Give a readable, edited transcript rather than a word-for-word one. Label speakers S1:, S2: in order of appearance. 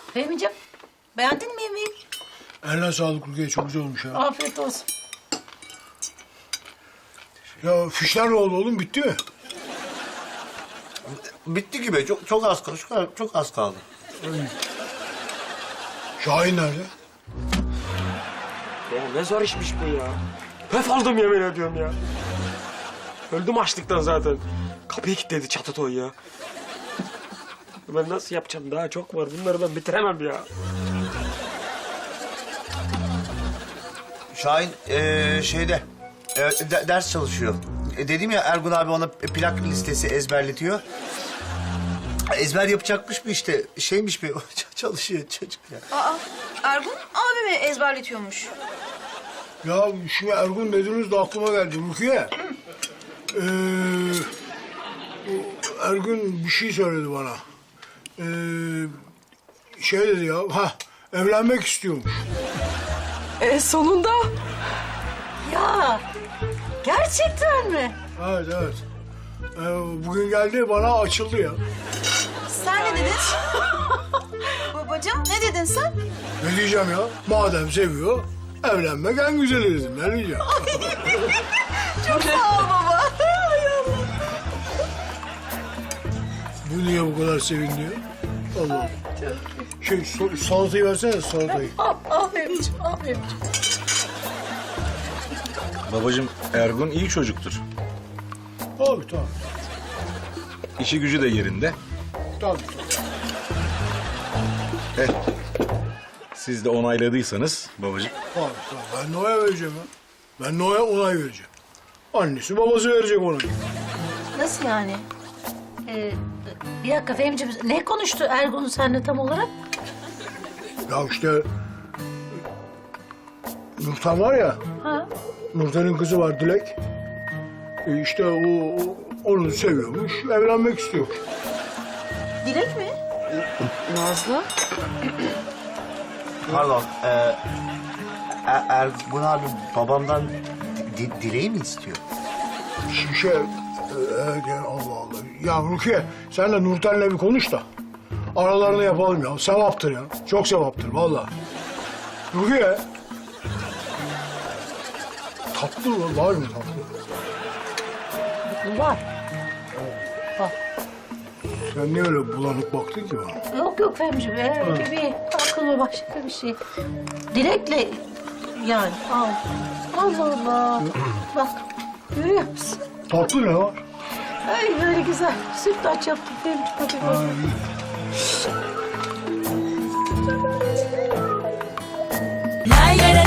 S1: Fehmi'ciğim, beğendin mi yemeği?
S2: Eline sağlık Rukiye, çok güzel olmuş ya.
S1: Afiyet olsun.
S2: Ya fişler ne oldu oğlum, bitti mi?
S3: Bitti gibi. Çok az kaldı. Çok az kaldı.
S2: Şahin nerede?
S4: Ya ne zor işmiş bu ya. Höf aldım yemin ediyorum ya. Öldüm açlıktan zaten. Kapıyı kilitledi Çatatoy ya. Ben nasıl yapacağım? Daha çok var. Bunları ben bitiremem ya.
S3: Şahin şeyde ders çalışıyor. Dedim ya Ergun abi ona plak listesi ezberletiyor. Ezber yapacakmış mı işte? Şeymiş mi? Çalışıyor çocuk ya.
S5: Aa, Ergun abimi ezberletiyormuş.
S2: Ya şimdi Ergun dediniz de aklıma geldi Rukiye. Ergun bir şey söyledi bana. Şey dedi ya, evlenmek istiyormuş.
S1: Sonunda. Ya, gerçekten mi?
S2: Evet, evet. Bugün geldi, bana açıldı ya.
S5: Sen ne dedin? Babacığım ne dedin sen?
S2: Ne diyeceğim ya? Madem seviyor, evlenmek en güzeli dedim. Ne diyeceğim?
S5: Çok sağ ol baba.
S2: Bu niye bu kadar sevindi ya? Allah Allah. Salatayı versene, salatayı.
S1: Al Fehmi'ciğim, al Fehmi'ciğim.
S6: Babacığım Ergun iyi çocuktur.
S2: Tabii, tabii.
S6: İşi gücü de yerinde.
S2: Tabii.
S6: Siz de onayladıysanız babacığım.
S2: Tabii, tabii. Ben Noa'ya vereceğim ya. Ben Noa'ya onay vereceğim. Annesi babası verecek ona.
S1: Nasıl yani? Bir dakika Fehmi'ciğim, ne konuştu Ergun seninle tam olarak?
S2: Ya işte... Nurten var ya,
S1: Ha?
S2: Nurten'in kızı var Dilek. İşte onu seviyormuş, evlenmek istiyor.
S5: Dilek mi?
S1: Nazlı?
S3: Pardon. Ergun abi babamdan dileği mi istiyor?
S2: Evet ya, Allah Allah. Ya Rukiye, sen de Nurten'le bir konuş da aralarını yapalım ya. Sevaptır ya. Çok sevaptır vallahi. Rukiye. Tatlı mı? Var mı tatlı?
S1: Var.
S2: Sen niye öyle bulanık baktın ki bana?
S1: Yok yok Fehmi'ciğim, bir aklıma başka bir şey. Dilek'le yani al. Allah Allah. Bak, görüyor musun?
S2: Tatlı ne var?
S1: Ay böyle güzel. Sütlaç yaptım Fehmi'ciğim. Hadi bak.
S2: Ay.
S7: La la la